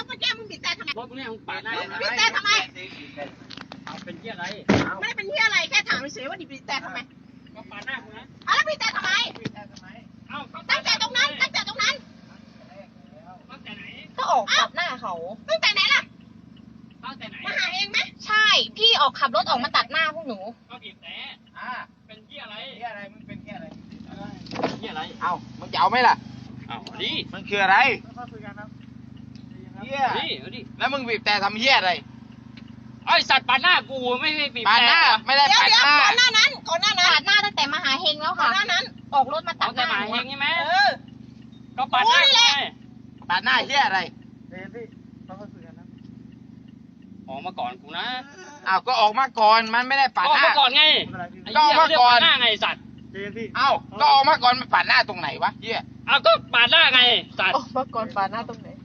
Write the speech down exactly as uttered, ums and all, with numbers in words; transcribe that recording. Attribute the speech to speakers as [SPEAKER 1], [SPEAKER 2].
[SPEAKER 1] เมื่อกี้มึงบีบแต่ทำไม
[SPEAKER 2] รถมึงเนี่ยมึงปาดหน้า
[SPEAKER 1] บีบแต่ทำไม
[SPEAKER 2] เอาเป็นที่อะไร
[SPEAKER 1] ไม่ได้เป็นที่อะไรแค่ถามเฉยๆว่าบีบแต่ทำไม
[SPEAKER 2] ก็ปาดหน้ากูนะ
[SPEAKER 1] อ่ะแล้วบีบแต่ทำไม
[SPEAKER 2] เอ้า
[SPEAKER 1] ตั้งแต่ตรงนั้นตั้งแต่ตรงนั้น
[SPEAKER 2] ตั้งแต่ไหน
[SPEAKER 3] ก็ออกตัดหน้าเขา
[SPEAKER 1] ตั้งแต่ไหนล่ะ
[SPEAKER 2] ตั้งแต่ไหน
[SPEAKER 1] มาหาเองไหม
[SPEAKER 3] ใช่ พี่ออกขับรถออกมาตัดหน้าพวกหนู
[SPEAKER 2] ก็บีบแต่
[SPEAKER 4] อ่า
[SPEAKER 2] เป็นที่อะไร
[SPEAKER 4] เหี้ยอะไรมึงเป็นเหี้ยอะไร
[SPEAKER 2] ที่อะไร
[SPEAKER 4] เอ้ามึงจะเอาไหมล่ะ
[SPEAKER 2] เอาดิ
[SPEAKER 4] มันคืออะไร
[SPEAKER 2] ค่อยคุยกันครับ
[SPEAKER 4] เหี้ย
[SPEAKER 2] เอาดิเอาดิ
[SPEAKER 4] แล้วมึงบีบแต่ทำเหี้ยอะไร
[SPEAKER 2] ไอสัตว์ปาดหน้ากูไม่ไม่บีบ
[SPEAKER 4] ปาดหน้า
[SPEAKER 2] แต่
[SPEAKER 4] ไม่ได้
[SPEAKER 1] เดี๋ยว
[SPEAKER 4] ปาด
[SPEAKER 1] เดี๋ยว
[SPEAKER 4] หน้า
[SPEAKER 1] ก่อนหน้านั้นก่อนหน้านั้น
[SPEAKER 3] ตัดหน้าตั้งแต่มหาเฮงแล้ว
[SPEAKER 1] ก่อ
[SPEAKER 3] ค่ะ
[SPEAKER 1] นหน้านั้น
[SPEAKER 3] ออกรถมาตั
[SPEAKER 2] เอา
[SPEAKER 3] ดห
[SPEAKER 2] แต่
[SPEAKER 3] น้า
[SPEAKER 2] หมาเฮงใช่ไหม
[SPEAKER 1] เออ
[SPEAKER 2] ก็ปาดหน้า
[SPEAKER 1] โอ้ย
[SPEAKER 2] ไง
[SPEAKER 1] แหละ
[SPEAKER 4] ปาดหน้าเหี้ยอะไร
[SPEAKER 2] ออกมาก่อนกูนะ
[SPEAKER 4] อ้าวก็ออกมาก่อนมันไม่ได้ปาด
[SPEAKER 2] ออก
[SPEAKER 4] หน้า
[SPEAKER 2] มาก่อนไงไอ้
[SPEAKER 4] ก็อ
[SPEAKER 2] เหี้
[SPEAKER 4] อย กมาก่อน
[SPEAKER 2] เรียปาดหน้าไงสัตว์
[SPEAKER 4] เอ้าก็ออกมาก่อนมันปาดหน้าตรงไหนวะเหี้ย
[SPEAKER 2] เอาก็ปาดหน้าไงสัตว์
[SPEAKER 3] ออกมาก่อนปาดหน้าตรงไหน